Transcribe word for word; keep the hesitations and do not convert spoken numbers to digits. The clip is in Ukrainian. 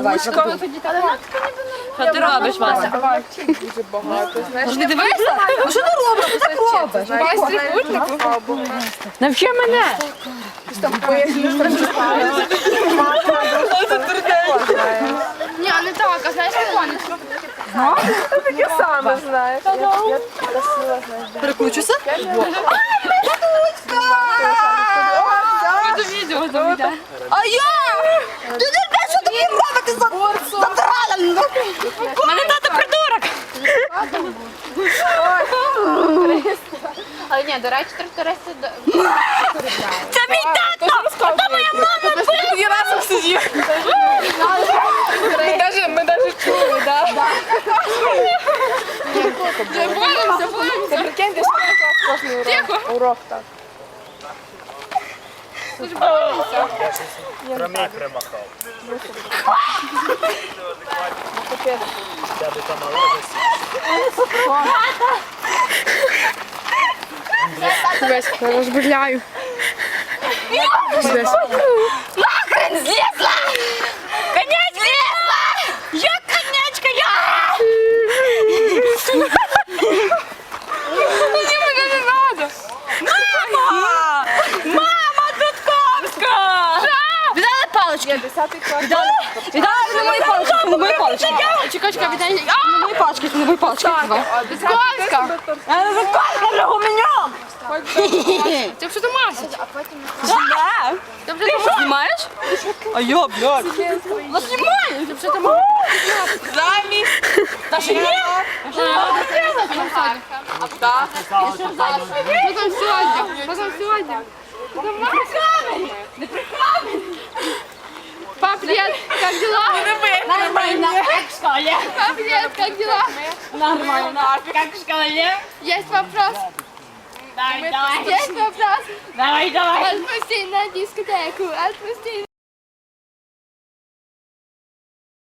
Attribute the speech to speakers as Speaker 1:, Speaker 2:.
Speaker 1: Ручка.
Speaker 2: Що ти робиш, Вася?
Speaker 1: Дуже багато, знаєш.
Speaker 2: Ти дивишся?
Speaker 3: Ну що ти робиш? Ти так робиш?
Speaker 2: Навчи мене.
Speaker 4: Ні, не так, а знаєш, як вони?
Speaker 1: Таке саме, знаєш. Я просила, знаєш.
Speaker 3: Перекручуйся.
Speaker 2: Це відео там йде.
Speaker 3: А я? Ти не знаєш, що тобі робити за задрала?
Speaker 2: Мене тато придурок.
Speaker 4: Але ні, до речі, трактористи...
Speaker 2: Це мій тато. Ото моя мама.
Speaker 1: Я разом сидів. Ми даже, ми даже чули, да?
Speaker 4: Боїмося, боїмося.
Speaker 1: Це прикиньте, що таке кожний урок. Урок так.
Speaker 5: Промій примахав. Я би там
Speaker 1: Весь, розбавляю.
Speaker 2: Нахрен злізла. Конець злізла. Я конячка, я. Мені мене не надо. Мама. Мама Дудковська.
Speaker 3: Віддали палички.
Speaker 1: Є десятий клас.
Speaker 3: Віддали на мої палички. На мої палички.
Speaker 4: Чекай, чекай, віддай.
Speaker 3: На мої палички. На мої палички. Давай.
Speaker 1: Десятка.
Speaker 3: Заколька для гуменя.
Speaker 4: Ти що ти маєш?
Speaker 3: Ти що знімаєш? А я, блядь. Ну знімаю.
Speaker 4: Ти що ти маєш?
Speaker 1: Замість.
Speaker 3: Та ще ні.
Speaker 4: Що там сьогодні? Що там сьогодні? Пап, привет, как дела?
Speaker 2: Нормально, як в школі.
Speaker 4: Пап, привет, как дела?
Speaker 2: Нормально, як в школі.
Speaker 4: Есть вопрос?
Speaker 2: Давай, давай.
Speaker 4: Есть вопрос?
Speaker 2: Давай, давай.
Speaker 4: Отпусти на дискотеку, отпусти